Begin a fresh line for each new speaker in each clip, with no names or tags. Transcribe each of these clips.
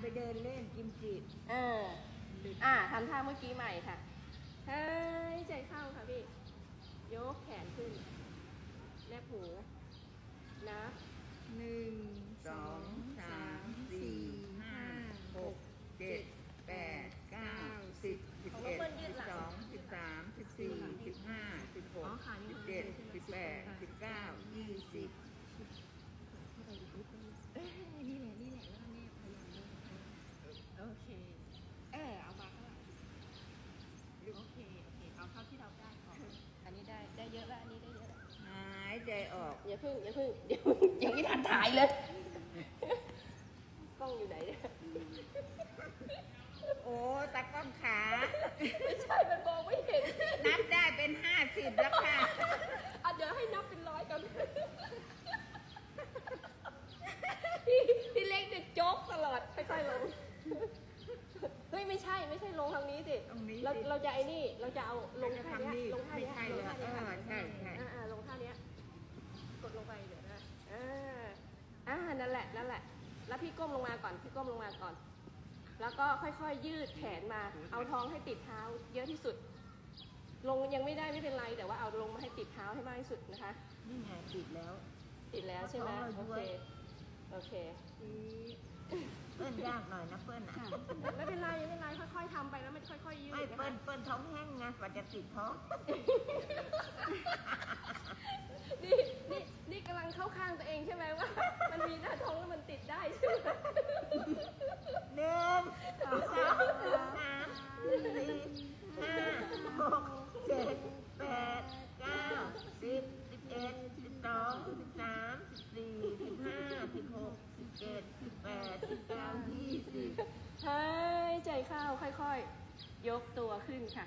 ไปเดินเล่นกิมจิ
ทำท่าเมื่อกี้ใหม่ค่ะหายใจเข้าค่ะพี่ยกแขนขึ้นแนบหูนับ
1 2 3 4 5 6 7 8 9 10 11 12 13 14 15 16 17 18 19 20
นี่แหละแล้วก็แนบพยายามโอเคเอามาข้างหลังโอเคเอาเข้าที่เราได้ก่อนอันนี้ได้เยอะแล้วอันนี้ได้เยอะแล้ว
หายใจออก
อย่าพึ่งเดี๋ยวยังไม่ทันถ่ายเลยกล้องอยู่ไหนเนี่ย
โอ้ตากล้องขา
ไม่ใช่มันมองไม่เห็น
นับได้เป็น50แล้วค่ะ
เดี๋ยวให้นับเป็น100กันพี่เล็กเนี่ยโจ๊กตลอดค่อยๆลงเฮ้ยไม่ใช่ลงทางนี้สิเราจะไอ้นี่เราจะเอาลงท่านี้ลงท่านี้
ใช่
ลงท่านี้กดลงไปเดี๋ยวนะนั่นแหละแล้วพี่ก้มลงมาก่อนแล้วก็ค่อยๆยืดแขนมาเอาท้องให้ติดเท้าเยอะที่สุดลงยังไม่ได้ไม่เป็นไรแต่ว่าเอาลงมาให้ติดเท้าให้มากที่สุดนะคะ
นี่ไงติดแล้ว
ใช่ไหมโอเค
เปิ้ลยากหน่อยนะเปิ้ล
ไม่เป็นไรค่อยๆทำไปแล้วมันค่อยๆยืด
ไม่เปิ้ลท้องแห้งไงกว่าจะติดท้อง
นี่กำลังเข้าข้างตัวเองใช่ไหมว่ามันมีหน้าท้องแล้วมันติดได้ใช่ไหม
1 2 3 4 5 6 7 8 9 10 11 12 13 14 15 16 17 18 19 20
หายใจเข้าค่อยๆยกตัวขึ้นค่ะ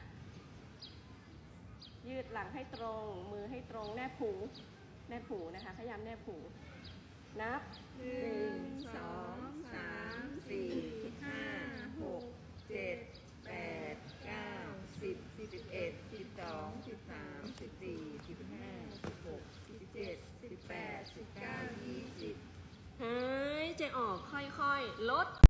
ยืดหลังให้ตรงมือให้ตรงแนบหูนะคะพยายามแนบหูนับ
1 2 3 4 5 6 7 8 9 10 11 12 13 14 15 16 17 18 19 20
หายใจออกค่อยๆลด